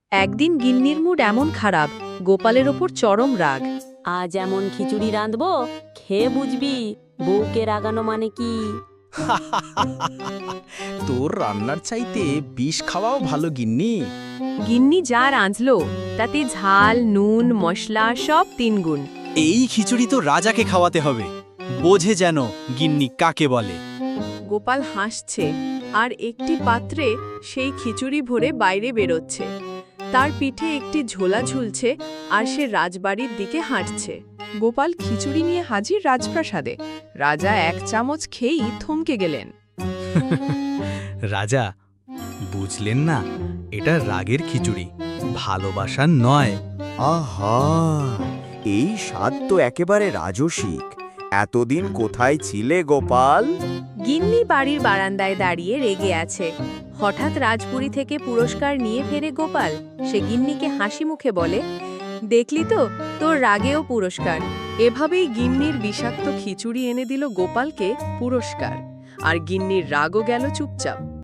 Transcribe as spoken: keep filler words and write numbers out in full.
একদিন গিন্নির মুড এমন খারাপ, গোপালের ওপর চরম রাগ। আজ এমন খিচুড়ি রাঁধবো, খেয়ে বুঝবি বউকে রাগানো মানে কি। তোর রান্নার চাইতে বিষ খাওয়াও ভালো গিন্নি। গিন্নি যা রাঁধল তাতে ঝাল, নুন, মশলা সব তিনগুণ। এই খিচুড়ি তো রাজাকে খাওয়াতে হবে, বোঝে যেন গিন্নি কাকে বলে। গোপাল হাসছে আর একটি পাত্রে সেই খিচুড়ি ভরে বাইরে বেরোচ্ছে। তার পিঠে একটি ঝোলা ঝুলছে আর সে রাজবাড়ির দিকে হাঁটছে। গোপাল খিচুড়ি নিয়ে হাজির রাজপ্রাসাদে। রাজা এক চামচ খেয়েই থমকে গেলেন। রাজা, বুঝলেন না, এটা রাগের খিচুড়ি, ভালোবাসার নয়। আহা, এই স্বাদ তো একেবারে রাজসিক। এতদিন কোথায় ছিলে গোপাল? গিন্নি বাড়ির বারান্দায় দাঁড়িয়ে রেগে আছে। হঠাৎ রাজপুরী থেকে পুরস্কার নিয়ে ফেরে গোপাল। সে গিন্নিকে হাসি মুখে বলে, দেখলি তো, তোর রাগেও পুরস্কার। এভাবেই গিন্নির বিষাক্ত খিচুড়ি এনে দিল গোপালকে পুরস্কার, আর গিন্নির রাগও গেল চুপচাপ।